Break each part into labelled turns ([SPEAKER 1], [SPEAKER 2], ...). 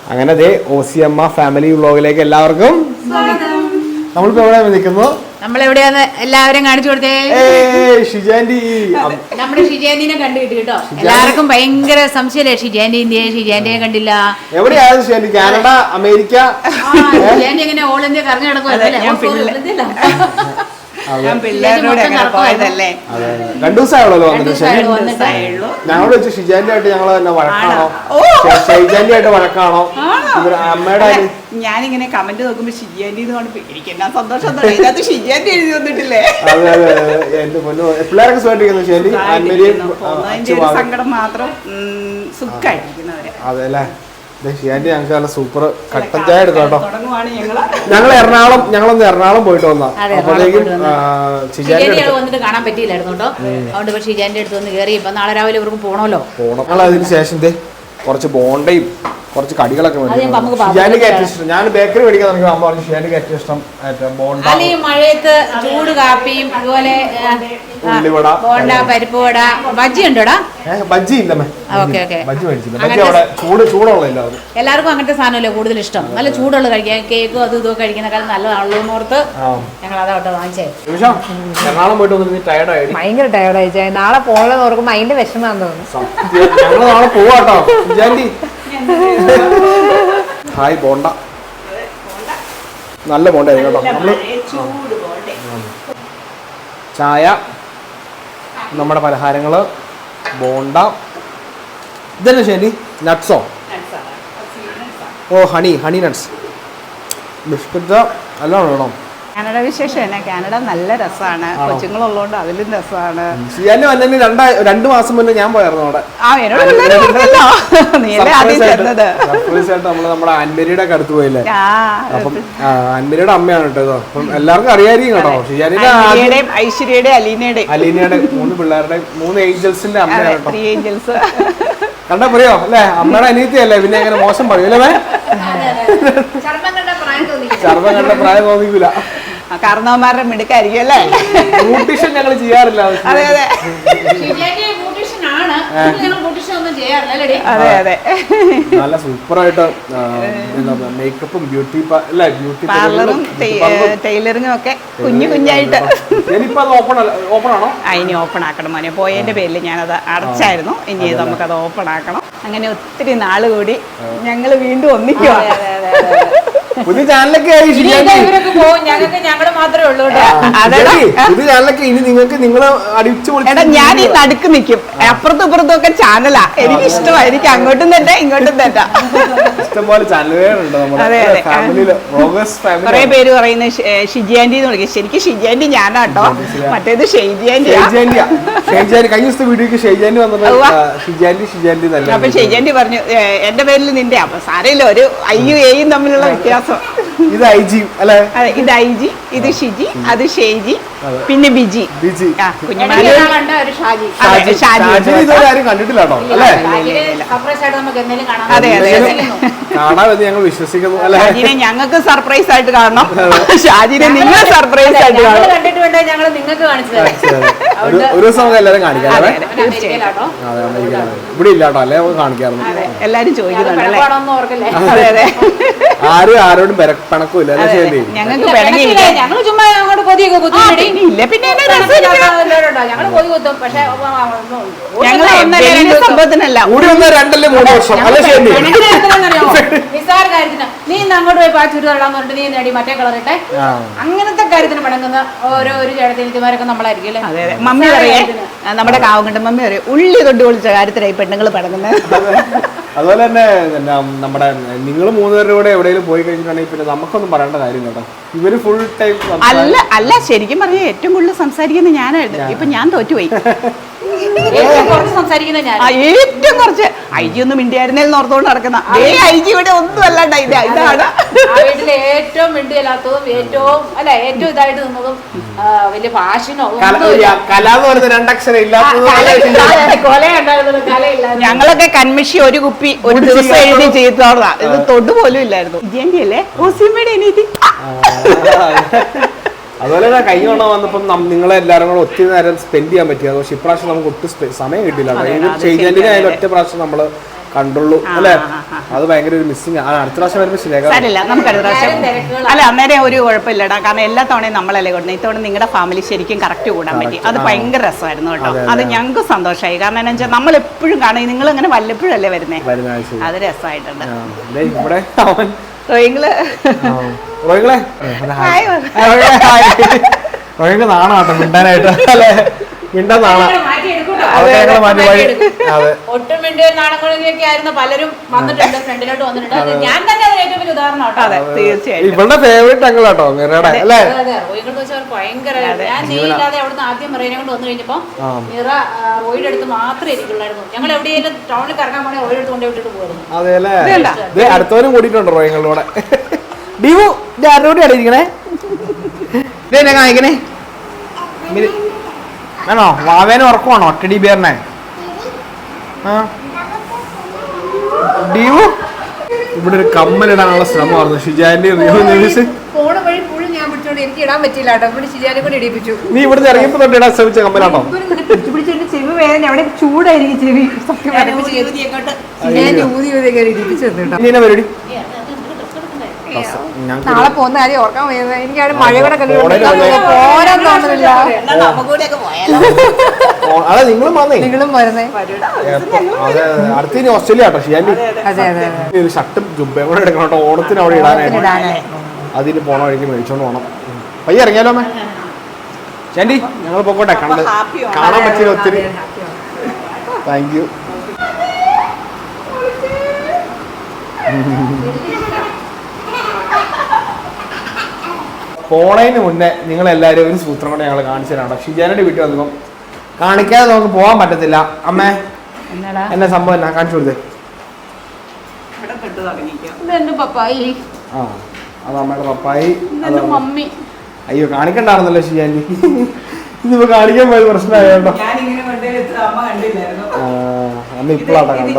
[SPEAKER 1] അങ്ങനെ ദേ OCM family വ്ലോഗിലേക്ക് എല്ലാവർക്കും സ്വാഗതം. നമ്മളിപ്പോ എവിടെയാണ് നിൽക്കുന്നു?
[SPEAKER 2] നമ്മളെവിടെയാന്ന് എല്ലാവരും കാണിച്ചു കൊടുത്തേ.
[SPEAKER 1] ഷിജാൻഡി,
[SPEAKER 2] നമ്മുടെ ഷിജാൻഡിനെ കണ്ടു കിട്ടി കേട്ടോ. എല്ലാവർക്കും ഭയങ്കര സംശയല്ലേ ഷിജാൻഡിയെ കണ്ടില്ല.
[SPEAKER 1] എവിടെയാണ് ഷിജാൻഡി? Canada, America?
[SPEAKER 2] ഷിജാൻഡി എങ്ങനെ ഓൾ ഇന്ത്യ കറങ്ങി നടക്കുമല്ലേ?
[SPEAKER 3] ഞാൻ പിള്ളേരോട് പോയതല്ലേ.
[SPEAKER 1] 2 ദിവസമായുള്ളൂ വന്നിട്ട്. ഞങ്ങളോട് വെച്ച് ഷിജാൻഡി ആയിട്ട് ഞങ്ങൾ തന്നെ വഴക്കാണോ, ഷിജാൻഡി ആയിട്ട് വഴക്കാണോ, അമ്മയുടെ?
[SPEAKER 3] ഞാനിങ്ങനെ കമന്റ് നോക്കുമ്പോ ഷിജാൻഡി എനിക്ക് എന്നാ സന്തോഷം. ഇതിനകത്ത് ഷിജാൻഡി എഴുതി വന്നിട്ടില്ലേ?
[SPEAKER 1] അതെ അതെ, എന്റെ പൊന്നു പിള്ളേരൊക്കെ സുഖമായിട്ടിരിക്കുന്നു.
[SPEAKER 3] സങ്കടം മാത്രം സുഖമായിട്ടിരിക്കുന്നവരെ.
[SPEAKER 1] അതെ അല്ലേ. ഷിജാൻഡി ഞങ്ങൾക്ക് നല്ല സൂപ്പർ കട്ടൻ ചായ എടുത്തു കേട്ടോ. ഞങ്ങൾ എറണാകുളം പോയിട്ട് വന്നാ. അപ്പോഴേക്കും
[SPEAKER 2] വന്നിട്ട് കാണാൻ പറ്റിയില്ലായിരുന്നു കേട്ടോ. അതുകൊണ്ട് ഷിജാൻഡി അടുത്ത് വന്ന് കയറി. ഇപ്പൊ നാളെ രാവിലെ ഇവർക്ക് പോകണമല്ലോ.
[SPEAKER 1] ഞങ്ങൾ അതിന് ശേഷം കുറച്ച് ബോണ്ടയും കുറച്ച് കടികളൊക്കെ ഷിജാൻഡിക്ക് ഏറ്റവും ഇഷ്ടം. ഞാൻ ബേക്കറി മേടിക്കാൻ തുടങ്ങി. അമ്മ പറഞ്ഞു ഷിജാൻഡിക്ക് ഏറ്റവും ഇഷ്ടം ബോണ്ട.
[SPEAKER 2] ഈ മഴയത്ത് ചൂട് കാപ്പിയും അതുപോലെ
[SPEAKER 1] ഉള്ളിവട,
[SPEAKER 2] ബോണ്ട, പരിപ്പ് വട, ബജ്ജി ഉണ്ടോടാ?
[SPEAKER 1] ബജ്ജി ഇല്ല, ബജ്ജി മേടിച്ചില്ല. ബജ്ജി അവിടെ ചൂടുള്ള
[SPEAKER 2] എല്ലാവർക്കും അങ്ങനത്തെ സാധനമല്ലേ കൂടുതൽ ഇഷ്ടം. നല്ല ചൂടുള്ള കഴിക്കാൻ. കേക്കും അതും ഇതൊക്കെ കഴിക്കുന്നേക്കാളും നല്ലതാണല്ലോ എന്ന് ഓർത്ത് ഞങ്ങൾ അതാവട്ടെ വാങ്ങിച്ചേ.
[SPEAKER 1] എറണാകുളം പോയിട്ട് വന്നിട്ട് ടയർഡായി,
[SPEAKER 4] ഭയങ്കര ടയർഡായി. നാളെ പോകണമെന്ന് ഓർക്കുമ്പോ അതിന്റെ വിഷമാന്ന് തോന്നുന്നു.
[SPEAKER 1] ഞങ്ങൾ നാളെ പോവാട്ടോ. ഷിജാൻഡി ഹായ്. ബോണ്ട നല്ല ബോണ്ട കേട്ടോ. നമ്മള് ചായ, നമ്മുടെ പലഹാരങ്ങള്, ബോണ്ട. ഇതന്നെ ശരി. നട്ട്സോ? ഓ, ഹണി നട്ട്സ്, ബിസ്ക്കറ്റ് എല്ലാം വേണം.
[SPEAKER 3] കാനഡ വിശേഷം എന്നാ? കാനഡ നല്ല രസമാണ്. കൊച്ചുങ്ങളുള്ളതുകൊണ്ട് അതിലും രസമാണ്.
[SPEAKER 1] ഷിജാൻഡി വന്നതിന് 2 മാസം മുന്നേ ഞാൻ പോയായിരുന്നു അവിടെ. നമ്മുടെ ആൻമേരിയുടെ ഒക്കെ അടുത്ത് പോയില്ലേ? അപ്പം ആൻമേരിയുടെ അമ്മയാണ് കേട്ടോ. അപ്പം എല്ലാവർക്കും അറിയായിരിക്കും കേട്ടോ. ഷിജാൻഡിയുടെ,
[SPEAKER 3] ഐശ്വര്യയുടെ,
[SPEAKER 1] അലീനയുടെ 3 പിള്ളേരുടെ 3 ഏഞ്ചൽസിന്റെ അമ്മയാണ് കേട്ടോ.
[SPEAKER 3] 3 ഏഞ്ചൽസ്
[SPEAKER 1] കണ്ടാ പറയോ അല്ലേ? അമ്മയുടെ അനിയത്തിയല്ലേ, പിന്നെ എങ്ങനെ മോശം പറയൂല്ലേ? ചർമ്മം കണ്ട പ്രായം തോന്നിക്കൂല.
[SPEAKER 3] കാരണവന്മാരുടെ മിടുക്കായിരിക്കും അല്ലേ?
[SPEAKER 1] ബ്യൂട്ടീഷ്യൻ ഞങ്ങൾ ചെയ്യാറില്ല.
[SPEAKER 3] അതെ അതെ അതെ അതെ. നല്ല
[SPEAKER 1] സൂപ്പറായിട്ട് മേക്കപ്പും ബ്യൂട്ടി
[SPEAKER 3] പാർലറും ടൈലറിങ്ങും ഒക്കെ കുഞ്ഞായിട്ട്.
[SPEAKER 1] ഓപ്പൺ ആണോ?
[SPEAKER 3] ഇനി ഓപ്പൺ ആക്കണം മോനെ. പോയതിന്റെ പേരിൽ ഞാനത് അടച്ചായിരുന്നു. ഇനി നമുക്കത് ഓപ്പൺ ആക്കണം. അങ്ങനെ ഒത്തിരി നാള് കൂടി ഞങ്ങൾ വീണ്ടും ഒന്നിക്കുക.
[SPEAKER 1] പുതിയ ചാനലൊക്കെ
[SPEAKER 2] ഞങ്ങള് മാത്രമേ ഉള്ളൂ.
[SPEAKER 1] പുതിയ ചാനലൊക്കെ ഇനി നിങ്ങൾ അടിച്ചു
[SPEAKER 3] എടാ, ഞാൻ ഈ നടുക്ക് നിൽക്കും. അപ്പുറത്തും ഇപ്പുറത്തും ഒക്കെ ചാനലാ. എനിക്ക് ഇഷ്ടമാണ്. എനിക്ക് അങ്ങോട്ടും തന്നെ ഇങ്ങോട്ടും തന്നെ
[SPEAKER 1] ഇഷ്ടംപോലെ ചാനലുകളുണ്ട്.
[SPEAKER 3] കുറെ പേര് പറയുന്നത് ഷിജാൻഡി എന്ന് വിളിക്കും. ശരിക്കും ഷിജാൻഡി ഞാനാട്ടോ. മറ്റേത് ഷെയ്ജാൻഡി.
[SPEAKER 1] കഴിഞ്ഞ ദിവസത്തെ വീഡിയോക്ക് ഷെയ്ജാൻഡി വന്നിട്ട് ഷിജാൻഡി
[SPEAKER 3] അപ്പൊ ഷിജാൻഡി പറഞ്ഞു എന്റെ പേരിൽ നിന്റെ. അപ്പൊ സാരമില്ല, ഒരു ഐയും എയും തമ്മിലുള്ള വ്യത്യാസം.
[SPEAKER 1] ഇത് ഐജി അല്ലേ?
[SPEAKER 3] അതെ, ഇത് ഐജി, ഇത് ഷിജി, അത് ഷെയ്ജി, പിന്നെ ബിജി.
[SPEAKER 1] കണ്ടിട്ടില്ല കേട്ടോ അല്ലേ?
[SPEAKER 3] അതെ അതെ അതെ.
[SPEAKER 1] കാണാമെന്ന് ഞങ്ങൾ വിശ്വസിക്കുന്നു അല്ലേ?
[SPEAKER 3] ഷാജിനെ ഞങ്ങൾക്ക് സർപ്രൈസ് ആയിട്ട് കാണണം. ഷാജിനെ നിങ്ങൾ സർപ്രൈസ് ആയിട്ട് കാണണം.
[SPEAKER 2] കണ്ടിട്ടുണ്ട്. ഞങ്ങൾ നിങ്ങൾക്ക് കാണിച്ചു തരാം.
[SPEAKER 1] ഒരു ദിവസം നമുക്ക് എല്ലാവരും കാണിക്കാം. ഇവിടെ ഇല്ല കേട്ടോ, അല്ലേ? കാണിക്കാറുണ്ട്.
[SPEAKER 3] എല്ലാരും ചോദിക്കുന്നുണ്ടല്ലേ?
[SPEAKER 2] അതെ
[SPEAKER 3] അതെ.
[SPEAKER 1] ആരും ആരോടും പിണക്കില്ല.
[SPEAKER 3] ഞങ്ങൾക്ക് പിണങ്ങിയില്ല.
[SPEAKER 2] ഞങ്ങൾ ചുമ്മാ അങ്ങോട്ട് കൊതിയൊക്കെ കുത്തിയില്ല.
[SPEAKER 3] പിന്നെ
[SPEAKER 2] ഞങ്ങൾ കൊതി കുത്തും. പക്ഷെ
[SPEAKER 3] ഞങ്ങൾ സംഭവത്തിനല്ല.
[SPEAKER 1] 2-3 വർഷം
[SPEAKER 2] നിസ്സാര കാര്യത്തിന് നീ ഇന്ന് അങ്ങോട്ട് പോയി പാച്ചൂര് തള്ളാന്ന് പറഞ്ഞിട്ട് നീ നേടി മറ്റേ കളറിട്ടെ. അങ്ങനത്തെ കാര്യത്തിന് പണങ്ങുന്ന ഓരോ ചേട്ടത്തിമാരൊക്കെ നമ്മളായിരിക്കും അല്ലേ?
[SPEAKER 3] അതെ അതെ. മമ്മി പറയേ, നമ്മുടെ കാവുങ്കണ്ട മമ്മി പറയും, ഉള്ളി തൊട്ട് പൊളിച്ച കാര്യത്തിലായി പെണ്ണുങ്ങൾ പടങ്ങുന്നത്.
[SPEAKER 1] അതുപോലെ തന്നെ നമ്മുടെ നിങ്ങൾ 3 പേരുടെ കൂടെ എവിടെയെങ്കിലും പോയി കഴിഞ്ഞിട്ടുണ്ടെങ്കിൽ പിന്നെ നമുക്കൊന്നും പറയേണ്ട കാര്യം കേട്ടോ. ഇവര് ഫുൾ ടൈം
[SPEAKER 3] അല്ല ശരിക്കും പറഞ്ഞ ഏറ്റവും കൂടുതൽ സംസാരിക്കുന്നത് ഞാനായിരുന്നു. ഇപ്പൊ ഞാൻ തോറ്റുപോയി.
[SPEAKER 2] ഏറ്റവും കുറച്ച്
[SPEAKER 3] ഐജി ഒന്നും മിണ്ടിയായിരുന്നേന്ന് ഓർത്തോണ്ട് നടക്കുന്ന ഐജി ഇവിടെ ഒന്നും അല്ലാണ്ട് ഇതാണ്
[SPEAKER 2] വീട്ടിലെ ഏറ്റവും മിണ്ടിയല്ലാത്തതും ഏറ്റവും ഇതായിട്ട് നിന്നതും വലിയ ഫാഷനോ
[SPEAKER 3] ഞങ്ങളൊക്കെ കൺമിഷി ഒരു കുപ്പി ഒരു ദിവസം എഴുതി ചെയ്തോളാ. ഇത് തൊട്ട് പോലും ഇല്ലായിരുന്നു. ജിന്റെ അല്ലേ ഓസിയമ്മയുടെ അനിയത്തി.
[SPEAKER 1] അതുപോലെ തന്നെ കഴിഞ്ഞ തവണ വന്നപ്പം നിങ്ങളെല്ലാവരും കൂടെ ഒത്തിരി നേരം സ്പെൻഡ് ചെയ്യാൻ പറ്റിയത്. പക്ഷെ ഇപ്രാവശ്യം നമുക്ക് ഒട്ടും സമയം കിട്ടില്ല. ഷെയ്ജാൻഡിനെ ആയാലും ഒറ്റ പ്രാവശ്യം നമ്മൾ കണ്ടുള്ളൂ അല്ലേ? അത് ഭയങ്കര ഒരു മിസ്സിങ് ആണ്. അടുത്ത പ്രാവശ്യം വരുമ്പോൾ ശരിയാക്കാം.
[SPEAKER 3] സാരില്ല, നമുക്ക് അടുത്ത പ്രാവശ്യം. അല്ല, അന്നേരം ഒരു കുഴപ്പമില്ലടാ. കാരണം എല്ലാ തവണയും നമ്മളല്ലേ കൊടുക്കുന്നത്. ഇത്തവണ നിങ്ങളുടെ ഫാമിലി ശരിക്കും കറക്റ്റ് കൂടാൻ പറ്റി. അത് ഭയങ്കര രസമായിരുന്നു കേട്ടോ. അത് ഞങ്ങൾക്ക് സന്തോഷമായി. കാരണം എന്താ വെച്ചാൽ നമ്മൾ എപ്പോഴും കാണും, നിങ്ങൾ അങ്ങനെ വല്ലപ്പോഴല്ലേ വരുന്നേ. അത് രസമായിട്ടുണ്ട്.
[SPEAKER 1] റോയിങ്ങളെ നാണാട്ടോ മിണ്ടാനായിട്ട് അല്ലേ? മിണ്ടാൻ നാണാ.
[SPEAKER 2] ഒട്ടും മിണ്ടിയ നാണങ്ങളൊക്കെ ആയിരുന്നു പലരും വന്നിട്ടുണ്ട്, ഫ്രണ്ടിലോട്ട് വന്നിട്ടുണ്ട്. ഞാൻ തന്നെ അതിന് ഏറ്റവും വലിയ ഉദാഹരണം.
[SPEAKER 3] തീർച്ചയായും
[SPEAKER 1] ഇവളുടെ ഫേവറേറ്റ് അങ്കിളാട്ടോ മിറയുടെ അല്ലേ?
[SPEAKER 2] റോയികൾ വെച്ചാൽ ഭയങ്കര ഞാൻ നീയില്ലാതെ അവിടുന്ന് ആദ്യം മിറേനെ കൊണ്ട് വന്നു കഴിഞ്ഞപ്പോ മിറ റോയുടെ അടുത്ത് മാത്രമേ ഇരിക്കുള്ളായിരുന്നു. ഞങ്ങൾ എവിടെയെങ്കിലും ടൗണിൽ കറങ്ങാൻ പോണേ റോയുടെ അടുത്ത് കൊണ്ടേ വിട്ടിട്ട് പോകുന്നു.
[SPEAKER 1] അതെല്ലേ? അടുത്തവരും കൂടിയിട്ടുണ്ട് റോയിങ്ങളുടെ ഡിവു ആരോടെ അടിയിരിക്കണേ ഇതെന്നെ കാണിക്കണേ. ആണോ വാവേനെ ഉറക്കുവാണോ ടെഡി ബിയറിനെ? ഡിവു ഇവിടെ ഒരു കമ്മലിടാനുള്ള ശ്രമമായിരുന്നു ഷിജാന്റെ.
[SPEAKER 4] ഫോണ് വഴി ഫുള്ള് ഞാൻ പിടിച്ചോണ്ട് എനിക്ക് ഇടാൻ പറ്റില്ല കേട്ടോ. ഇവിടെ ശരിയാനെ കൊണ്ട് ഇടിപ്പിച്ചു.
[SPEAKER 1] നീ ഇവിടുന്ന് ഇറങ്ങിയപ്പോ തൊട്ട് ഇടാൻ ശ്രമിച്ച കമ്മലാണോ?
[SPEAKER 4] പിടിച്ചെന്റെ ചെവി വേദന, അവിടെ ചൂടായിരിക്കും ചെവി. ഞാൻ ഊതി ഇടിപ്പിച്ചു കേട്ടോ.
[SPEAKER 1] ഇനി എന്നാ പരിപാടി?
[SPEAKER 4] നാളെ പോകുന്ന കാര്യം ഓർക്കാൻ വയ്യത്. എനിക്കാണ് മഴയുടെ പോരാൻ തോന്നുന്നില്ല.
[SPEAKER 1] അതെ നിങ്ങളും വന്നേ.
[SPEAKER 4] നിങ്ങളും വരുന്നേ.
[SPEAKER 1] അതെ അടുത്ത ഇനി ഓസ്ട്രേലിയ കേട്ടോ ഷിയാൻഡി. ഒരു ഷർട്ടും ജുബയും കൂടെ എടുക്കണം കേട്ടോ. ഓണത്തിന് അവിടെ ഇടാനായിട്ട് അതിന് പോണ വഴിക്ക് മേടിച്ചോണ്ട് പോണം. പയ്യെ ഇറങ്ങിയാലോ അമ്മേ? ഷാൻഡി ഞങ്ങൾ പോക്കോട്ടെ. കാണാൻ പറ്റില്ല ഒത്തിരി. Thank you. പോണതിന് മുന്നേ നിങ്ങളെല്ലാവരും ഒരു സൂത്രം കൊണ്ട് ഞങ്ങൾ കാണിച്ചു തരാം. ഷിജാനയുടെ വീട്ടിൽ വന്നപ്പം കാണിക്കാതെ നമുക്ക് പോകാൻ പറ്റത്തില്ല. അമ്മേ എന്നാ സംഭവം എന്നാ കാണിച്ചു കൊടുത്തേ.
[SPEAKER 2] പപ്പായി.
[SPEAKER 1] ആ അത് അമ്മയുടെ പപ്പായി.
[SPEAKER 2] മമ്മി.
[SPEAKER 1] അയ്യോ കാണിക്കണ്ടായിരുന്നല്ലോ ഷിജാനി. ഇതിപ്പോ കാണിക്കാൻ പോയത് പ്രശ്നമായോ? അമ്മ ഇപ്പോഴാട്ടോ കണ്ടോ.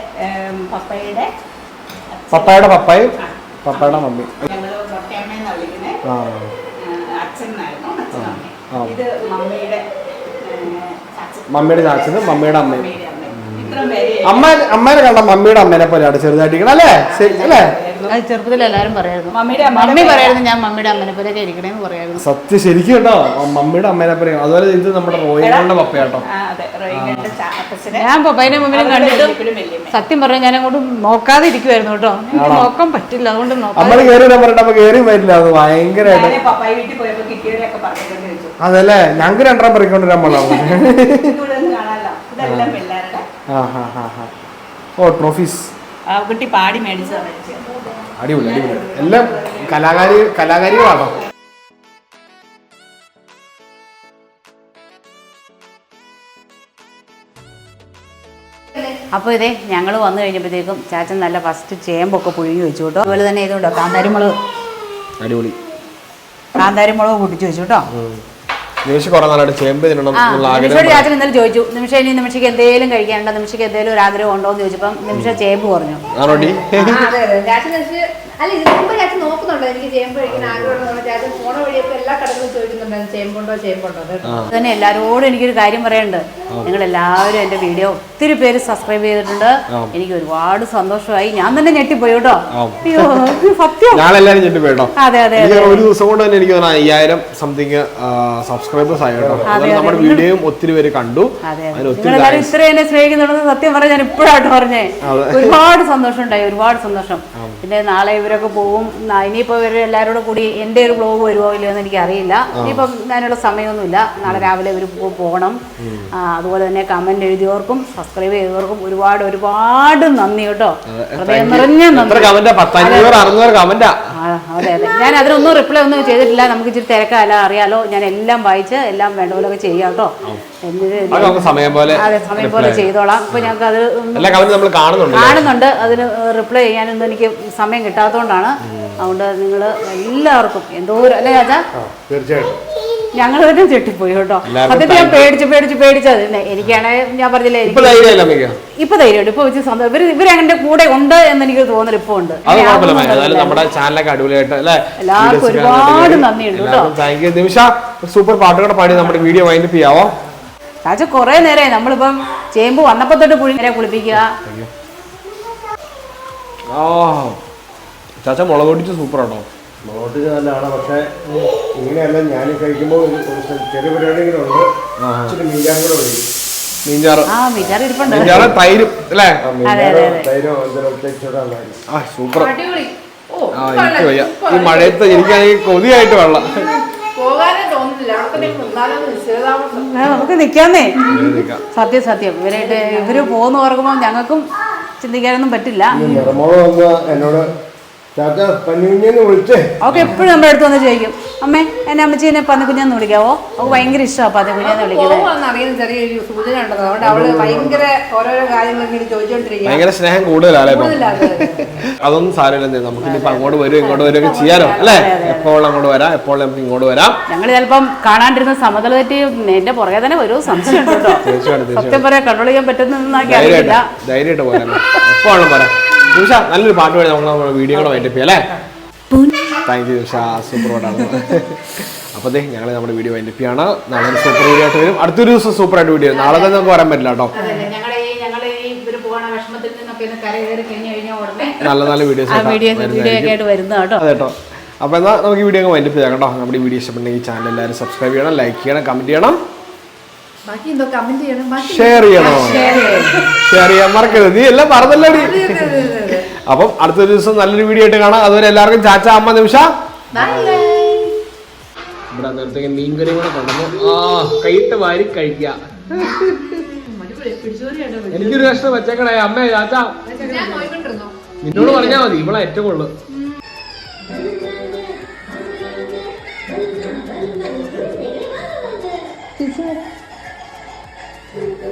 [SPEAKER 1] പപ്പായുടെ പപ്പായും പപ്പായുടെ മമ്മി. മമ്മിയുടെ ചാച്ചനും മമ്മിയുടെ അമ്മയും. അമ്മേനെ കണ്ട മമ്മിയുടെ അമ്മേനെ പോലെയാണ് ചെറുതായിട്ടിരിക്കണം അല്ലേ? അല്ലേ?
[SPEAKER 2] ചെറുപ്പത്തിൽ എല്ലാരും പറയായിരുന്നു, മമ്മി പറയായിരുന്നു ഞാൻ മമ്മിയുടെ അമ്മനെ പോലെ ഇരിക്കണേന്ന് പറയായിരുന്നു.
[SPEAKER 1] സത്യം ശരിക്കും കേട്ടോ, മമ്മിയുടെ അമ്മേനെ പോലെ. അതുപോലെ ഇത് നമ്മുടെ റോയികളുടെ പപ്പയാട്ടോ.
[SPEAKER 2] ഞാൻ പപ്പായിനെ മമ്മിനെ കണ്ടിട്ട് സത്യം പറഞ്ഞാൽ ഞാൻ അങ്ങോട്ട് നോക്കാതെ ഇരിക്കുവായിരുന്നു കേട്ടോ. എനിക്ക് നോക്കാൻ പറ്റില്ല, അതുകൊണ്ട്
[SPEAKER 1] നമ്മള് കയറി പറഞ്ഞിട്ട് അപ്പൊ കയറി വരില്ല. അത് ഭയങ്കരമായിട്ട്. അതല്ലേ ഞങ്ങൾക്ക് രണ്ടെണ്ണം പറിക്കൊണ്ടിരാൻ പാടാണ്. ഓ ട്രോഫീസ്
[SPEAKER 3] കുട്ടി പാടി മേടിച്ചതാണ്.
[SPEAKER 1] അടിപൊളി അടിപൊളി. എല്ലാം കലാകാരികളാണോ?
[SPEAKER 2] അപ്പോൾ ഇതേ ഞങ്ങൾ വന്നു കഴിഞ്ഞപ്പോഴത്തേക്കും ചാച്ചൻ നല്ല ഫസ്റ്റ് ചേമ്പൊക്കെ പുഴുങ്ങി വെച്ചു കേട്ടോ. അതുപോലെ തന്നെ ഇതുകൊണ്ടോ കാന്താരിമുളക്,
[SPEAKER 1] അടിപൊളി
[SPEAKER 2] കാന്താരിമുളക് പൊട്ടിച്ചു വെച്ചു കേട്ടോ.
[SPEAKER 1] നിമിഷോട്
[SPEAKER 2] ചാച്ചൻ ഇന്നലെ ചോദിച്ചു, നിമിഷം ഇനി നിമിഷയ്ക്ക് എന്തെങ്കിലും കഴിക്കാനുണ്ടോ, നിമിഷയ്ക്ക് എന്തെങ്കിലും ഒരു ആഗ്രഹം ഉണ്ടോ എന്ന് ചോദിച്ചപ്പം നിമിഷ ചേമ്പ് പറഞ്ഞു.
[SPEAKER 4] അല്ല ഇതിന് മുമ്പ് ചാച്ചൻ നോക്കുന്നുണ്ടോ എനിക്ക് ചേമ്പ് കഴിക്കാൻ ആഗ്രഹമുണ്ടോ? ചാച്ചൻ ഫോണ വഴിയൊക്കെ എല്ലാ കടകളും ചോദിക്കുന്നുണ്ടായിരുന്നു ചേമ്പുണ്ടോ.
[SPEAKER 2] തന്നെ എല്ലാവരോടും എനിക്കൊരു കാര്യം പറയാനുണ്ട്. നിങ്ങൾ എല്ലാവരും എൻ്റെ വീഡിയോ ഒത്തിരി പേര് സബ്സ്ക്രൈബ് ചെയ്തിട്ടുണ്ട്. എനിക്ക് ഒരുപാട് സന്തോഷമായി. ഞാൻ തന്നെ ഞെട്ടിപ്പോയി കേട്ടോ. അയ്യോ സത്യം, അതെ അതെ.
[SPEAKER 1] ഒരു ദിവസം കൊണ്ട് തന്നെ എനിക്ക് 5000 സംതിങ് സബ്സ്ക്രൈബേഴ്സ് ആയി കേട്ടോ. നമ്മുടെ വീഡിയോയും ഒത്തിരി പേര് കണ്ടു.
[SPEAKER 2] നിങ്ങളെല്ലാവരും ഇത്ര എന്നെ സ്നേഹിക്കുന്നുണ്ടെന്ന് സത്യം പറഞ്ഞാൽ ഞാൻ ഇപ്പോഴായിട്ട് പറഞ്ഞേ. ഒരുപാട് സന്തോഷം ഉണ്ടായി, ഒരുപാട് സന്തോഷം. പിന്നെ നാളെ ഇവരൊക്കെ പോകും. ഇനിയിപ്പോൾ ഇവർ എല്ലാവരോടും കൂടി എൻ്റെ ഒരു വ്ലോഗ് വരുമോ ഇല്ലയോ എന്ന് എനിക്കറിയില്ല. ഇനിയിപ്പം അതിനുള്ള സമയമൊന്നുമില്ല. നാളെ രാവിലെ ഇവർ പോകണം. അതുപോലെ തന്നെ കമന്റ് എഴുതിയവർക്കും സബ്സ്ക്രൈബ് ചെയ്തവർക്കും ഒരുപാട് ഒരുപാട് നന്ദി കേട്ടോ. ഹൃദയം നിറഞ്ഞ നന്ദി. അതെ അതെ. ഞാൻ അതിനൊന്നും റിപ്ലൈ ഒന്നും ചെയ്തിട്ടില്ല. നമുക്ക് ഇച്ചിരി തിരക്കല്ല, അറിയാലോ. ഞാൻ എല്ലാം വായിച്ച് എല്ലാം വേണ്ട പോലൊക്കെ ചെയ്യാം കേട്ടോ.
[SPEAKER 1] സമയം
[SPEAKER 2] പോലെ ചെയ്തോളാം. ഇപ്പൊ ഞങ്ങൾക്ക് അത് കാണുന്നുണ്ട്. അതിന് റിപ്ലൈ ചെയ്യാനൊന്നും എനിക്ക് സമയം കിട്ടാത്തതുകൊണ്ടാണ്. അതുകൊണ്ട് നിങ്ങൾ എല്ലാവർക്കും എന്തോ അല്ലേ ചാച്ചാ, ഞങ്ങൾ തന്നെ ചെട്ടിപ്പോയി കേട്ടോ. സത്യത്തിൽ ഞാൻ പേടിച്ചത് എനിക്കാണെങ്കിൽ ഞാൻ പറഞ്ഞില്ലേ, ഇപ്പൊ ധൈര്യമുണ്ട്. ഇപ്പൊ വെച്ച് ഇവരെന്റെ കൂടെ ഉണ്ട് എന്ന് എനിക്ക് തോന്നൽ ഇപ്പൊ ഉണ്ട്. എല്ലാവർക്കും ഒരുപാട് നന്ദിയുണ്ട് കേട്ടോ.
[SPEAKER 1] നിമിഷ സൂപ്പർ പാട്ടുകൂടെ പാടി നമ്മുടെ വീഡിയോ വൈൻഡപ്പ് ചെയ്യാവോ?
[SPEAKER 2] ചാച്ച കൊറേ നേരമായി നമ്മളിപ്പം ചേമ്പ് വന്നപ്പോ തൊട്ട് പുഴി നേരെ കുളിപ്പിക്കുക.
[SPEAKER 1] ആ ചാച്ച മുളക് പൊടിച്ച് സൂപ്പർ ആണോ?
[SPEAKER 5] മുളക് പൊടിച്ച് നല്ലതാണ്. പക്ഷേ ഇങ്ങനെയല്ല ഞാൻ കഴിക്കുമ്പോൾ ഒരു ചെറിയ പരിപാടികളും ഉണ്ട്. ഇച്ചിരി മീൻചാറും കൂടെ ഒഴിക്കും.
[SPEAKER 1] മീൻചാറ്
[SPEAKER 2] ഇരിപ്പുണ്ട്.
[SPEAKER 1] മീൻചാറ് തൈരും അല്ലേ?
[SPEAKER 5] തൈരോ എന്തെങ്കിലും
[SPEAKER 1] ആ സൂപ്പർ.
[SPEAKER 4] അടിപൊളി. ഓ,
[SPEAKER 1] ആ എനിക്ക് വയ്യ ഈ മഴയത്ത് എനിക്കാണെങ്കിൽ കൊതിയായിട്ട് വെള്ളം.
[SPEAKER 4] പോകാനേ തോന്നുന്നില്ല. അവിടെ തന്നെ നിന്നാലും നിശ്ചയതാമസം.
[SPEAKER 2] നമുക്ക് നിക്കാന്നേ. സത്യം ഇവര് പോകുന്ന ഓർക്കുമ്പോൾ ഞങ്ങൾക്കും ചിന്തിക്കാനൊന്നും പറ്റില്ല.
[SPEAKER 5] നിറമോള് വന്ന് എന്നോട് ചാച്ച പന്നിക്കുഞ്ഞെന്ന് വിളിച്ചേ.
[SPEAKER 2] അവൾക്ക് എപ്പോഴും നമ്മുടെ അടുത്ത് വന്ന് ചോദിക്കും, അമ്മേ എന്നെ അമ്മച്ചീനെ പന്നിക്കുഞ്ഞെന്ന് വിളിക്കാവോ? അവൾക്ക് ഭയങ്കര ഇഷ്ടമാണ് പന്നിക്കുഞ്ഞെന്ന് വിളിക്കുന്നത്.
[SPEAKER 4] പോകുമെന്ന് അറിയുന്ന ചെറിയൊരു സൂചന ഉണ്ടത്. അതുകൊണ്ട് അവള് ഭയങ്കര ഓരോരോ കാര്യങ്ങൾ ഇങ്ങനെ ചോദിച്ചോണ്ടിരിക്കുക.
[SPEAKER 1] ഭയങ്കര സ്നേഹം കൂടുതലല്ലേ ഇപ്പം? അതൊന്നും സാരമില്ല. നമുക്ക് ഇനിയിപ്പോ അങ്ങോട്ട് വരും ഇങ്ങോട്ട് വരും ഒക്കെ ചെയ്യാലോ അല്ലേ? എപ്പോൾ അങ്ങോട്ട് വരാം, എപ്പോൾ നമുക്ക് ഇങ്ങോട്ട് വരാം.
[SPEAKER 2] ഞങ്ങൾ ചിലപ്പം കാണാണ്ടിരുന്ന സമതല തെറ്റി എന്റെ പുറകെ തന്നെ വരും. സംശയം ഉണ്ട് കേട്ടോ. സത്യം പറയാൻ കൺട്രോൾ ചെയ്യാൻ പറ്റുന്നതെന്നൊക്കെ അറിയില്ല.
[SPEAKER 1] ധൈര്യമായിട്ട് പോരാ, എപ്പോൾ വേണം പോരാ. നിമിഷ നല്ലൊരു പാട്ട് പാടി നമ്മൾ വീഡിയോ കൂടെ വൈൻഡപ്പ് ചെയ്യാം അല്ലേ? താങ്ക് യു നിമിഷ, സൂപ്പർ പാട്ടാണ്. അപ്പോൾ ഞങ്ങൾ നമ്മുടെ വീഡിയോ വൈൻഡപ്പ് ചെയ്യാണ്. നാളെ ഒരു സൂപ്പർ വീഡിയോ ആയിട്ട് വരും. അടുത്തൊരു ദിവസം സൂപ്പർ ആയിട്ട് വീഡിയോ. നാളെ തന്നെ നമുക്ക് വരാൻ പറ്റില്ല കേട്ടോ. നല്ല നല്ല വീഡിയോസ്
[SPEAKER 2] ആയിട്ട് വരുന്ന കേട്ടോ.
[SPEAKER 1] അതെ കേട്ടോ. അപ്പോൾ എന്നാൽ നമുക്ക് ഈ വീഡിയോ അങ്ങ് വൈൻഡപ്പ് ചെയ്യാം കേട്ടോ. നമ്മുടെ ഈ വീഡിയോ ഇഷ്ടപ്പെട്ടെങ്കിൽ ചാനൽ എല്ലാവരും സബ്സ്ക്രൈബ് ചെയ്യണം, ലൈക്ക് ചെയ്യണം, കമന്റ് ചെയ്യണം, ഷെയർ ചെയ്യണോ? ഷെയർ ചെയ്യാൻ മറക്കരുത്. നീ എല്ലാം പറഞ്ഞല്ലേ? അപ്പം അടുത്തൊരു ദിവസം നല്ലൊരു വീഡിയോ ആയിട്ട് കാണാം. അതുവരെ എല്ലാവർക്കും ചാച്ച, അമ്മ, നിമിഷ. ഇവിടെ നേരത്തെ മീൻകറി കൂടെ കൊണ്ടുവന്നു. കൈയിട്ട് വാരി കഴിക്കുക. എനിക്കൊരു കഷ്ണം വെച്ചേക്കണേ അമ്മേ ചാച്ച. നിന്നോട് പറഞ്ഞാൽ മതി, ഇവളെ ഏറ്റവും കൊള്ളു.